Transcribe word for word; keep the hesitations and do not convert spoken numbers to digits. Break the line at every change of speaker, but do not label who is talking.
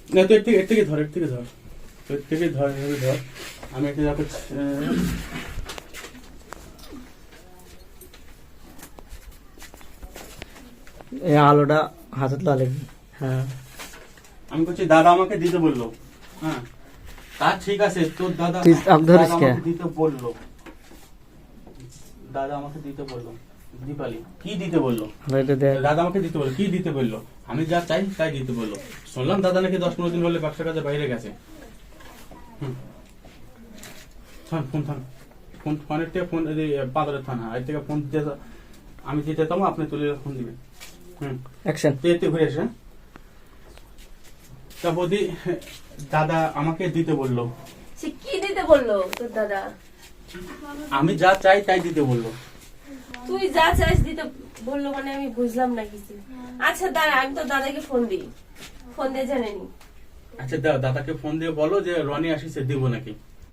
না তো এর থেকে এর থেকে ধর এর থেকে ধর এর থেকে ধর এর ধর আমি একটা যাবো
এই আলোটা হাতে লাগে। হ্যাঁ
আমি বলছি দাদা আমাকে দিতে বললো। হ্যাঁ তা ঠিক আছে, তোর দাদা
তুই আগ ধরিস
দাদা
কে?
আমাকে দিতে বললো, দাদা আমাকে দিতে বললো। দীপালি কি দিতে বললো?
এটা দেখ।
দাদা আমাকে দিতে বললো, কি দিতে বললো? আমি যা চাই তাই দিতে বললো। শুনলাম দাদা নাকি দশ পনেরো দিন হলে ব্যবসা কাজে বাইরে গেছে। হুম থান ফোন থান ফোন ফোনের থেকে ফোন পাদরের থান। হ্যাঁ এর থেকে ফোন দিতে আমি দিতে যেতাম, আপনি তুলে ফোন দিবেন। Hmm
action.
এতে ঘুরে এসে তা বৌদি দাদা আমাকে দিতে বললো।
সে কি দিতে বললো তোর দাদা?
আমি যা চাই তাই দিতে বললো।
তুই যা চাইস দিতে বললো মানে আমি বুঝলাম না কিছু। আচ্ছা দাঁড়া, আমি তো দাদাকে ফোন দিই, ফোন দিয়ে জেনে নি।
আচ্ছা দাও দাদাকে ফোন দিয়ে বলো যে রনি আসিছে দিব নাকি।